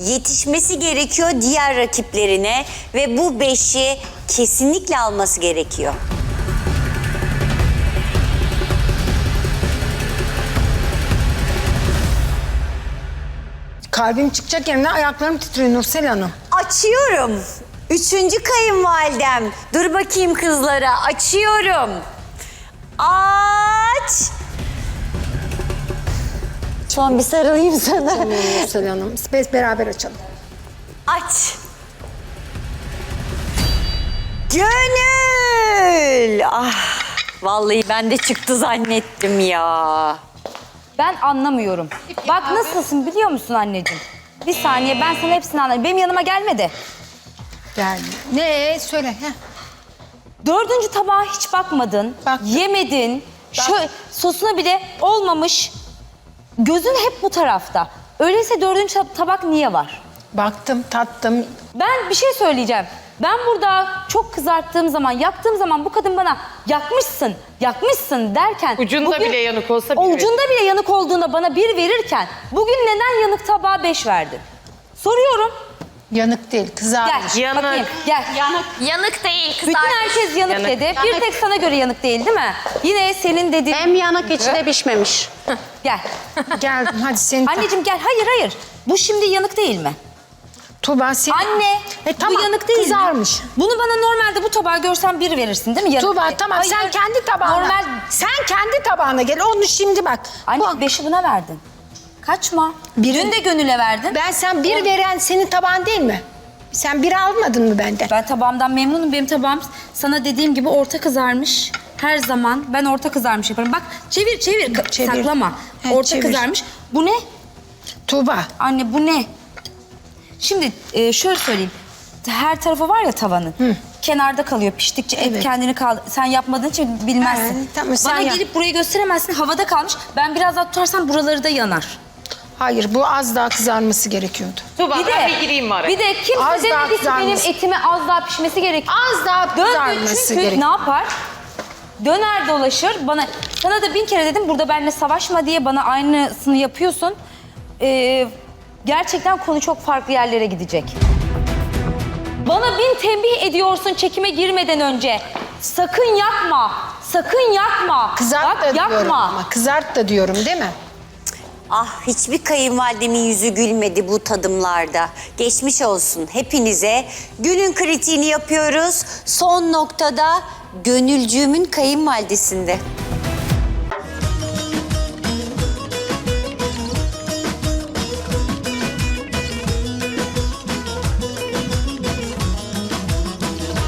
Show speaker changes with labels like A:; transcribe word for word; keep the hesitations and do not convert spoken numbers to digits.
A: yetişmesi gerekiyor diğer rakiplerine ve bu beşi kesinlikle alması gerekiyor.
B: Kalbim çıkacak yerine ayaklarım titriyor Nursel Hanım.
A: Açıyorum. Üçüncü kayınvalidem. Dur bakayım kızlara. Açıyorum. Aç. Son bir sarılayım sana.
B: Nursel Hanım. Biz beraber açalım.
A: Aç. Gönül. Ah. Vallahi ben de çıktı zannettim ya.
C: Ben anlamıyorum. Bak nasılsın biliyor musun anneciğim? Bir saniye ben sana hepsini anlatayım. Benim yanıma gelmedi.
B: Geldi. Ne? Söyle. Heh.
C: Dördüncü tabağa hiç bakmadın.
B: Baktım.
C: Yemedin. Şöyle, sosuna bile olmamış. Gözün hep bu tarafta. Öyleyse dördüncü tab- tabak niye var?
B: Baktım, tattım.
C: Ben bir şey söyleyeceğim. Ben burada çok kızarttığım zaman, yaktığım zaman bu kadın bana yakmışsın, yakmışsın derken...
D: Ucunda
C: bugün-
D: bile yanık olsa bir
C: Ucunda bile yanık olduğunda bana bir verirken bugün neden yanık tabağa beş verdin? Soruyorum.
B: Yanık değil,
C: Gel,
B: kızarmış.
D: Yanık.
C: bakayım, gel.
E: Yanık. Yanık değil,
C: Bütün
E: kızarmış.
C: herkes yanık,
D: Yanık.
C: dedi. Bir tek sana göre yanık değil değil mi? Yine senin dediğin...
E: Hem yanık içi de pişmemiş.
C: Gel.
B: Geldim, hadi seni...
C: Anneciğim gel. Hayır hayır. Bu şimdi yanık değil mi?
B: Tuğba seni...
C: Anne.
B: E, tamam,
C: bu yanık değil
B: kızarmış.
C: mi? Bunu bana normalde bu tabağı görsen bir verirsin değil mi? Yanık
B: Tuğba
C: değil.
B: tamam,
C: Hayır,
B: sen kendi tabağına...
C: Normal.
B: Sen kendi tabağına gel, onu şimdi bak.
C: Anne
B: Bu-
C: beşi buna verdin. Kaçma.
B: Biri-
C: Dün de Gönül'e verdin.
B: Ben sen bir veren senin tabağın değil mi? Sen bir almadın mı benden?
C: Ben tabağımdan memnunum. Benim tabağım sana dediğim gibi orta kızarmış. Her zaman ben orta kızarmış yaparım. Bak çevir çevir. Ka-
B: Çevir.
C: Saklama.
B: He,
C: orta
B: çevir.
C: kızarmış. Bu ne?
B: Tuğba.
C: Anne bu ne? Şimdi e, şöyle söyleyeyim. Her tarafı var ya tavanın. Kenarda kalıyor piştikçe et
B: Evet.
C: kendini kaldı. Sen yapmadığın için bilmezsin.
B: He, tamam, sen
C: Bana
B: yap.
C: gelip burayı gösteremezsin. Havada kalmış. Ben biraz daha tutarsam buraları da yanar.
B: Hayır, bu az daha kızarması gerekiyordu.
D: Tuğba
C: Bir
D: ben
C: de,
D: bir gireyim mi araya?
C: bir de kimse
B: Az daha
C: demedi ki benim
B: kızarması.
C: etime az daha pişmesi gerekiyor.
B: Az daha
C: Döndü
B: kızarması
C: çünkü
B: gerekiyor.
C: ne yapar? Döner dolaşır bana. Sana da bin kere dedim burada benimle savaşma diye bana aynısını yapıyorsun. Ee, gerçekten konu çok farklı yerlere gidecek. Bana bin tembih ediyorsun çekime girmeden önce. Sakın yakma. Sakın yakma.
B: Kızart
C: Bak,
B: da diyorum
C: yakma.
B: ama. Kızart da diyorum değil mi?
A: Ah hiçbir kayınvalidemin yüzü gülmedi bu tadımlarda. Geçmiş olsun hepinize. Günün kritiğini yapıyoruz. Son noktada Gönülcüğümün kayınvalidesinde.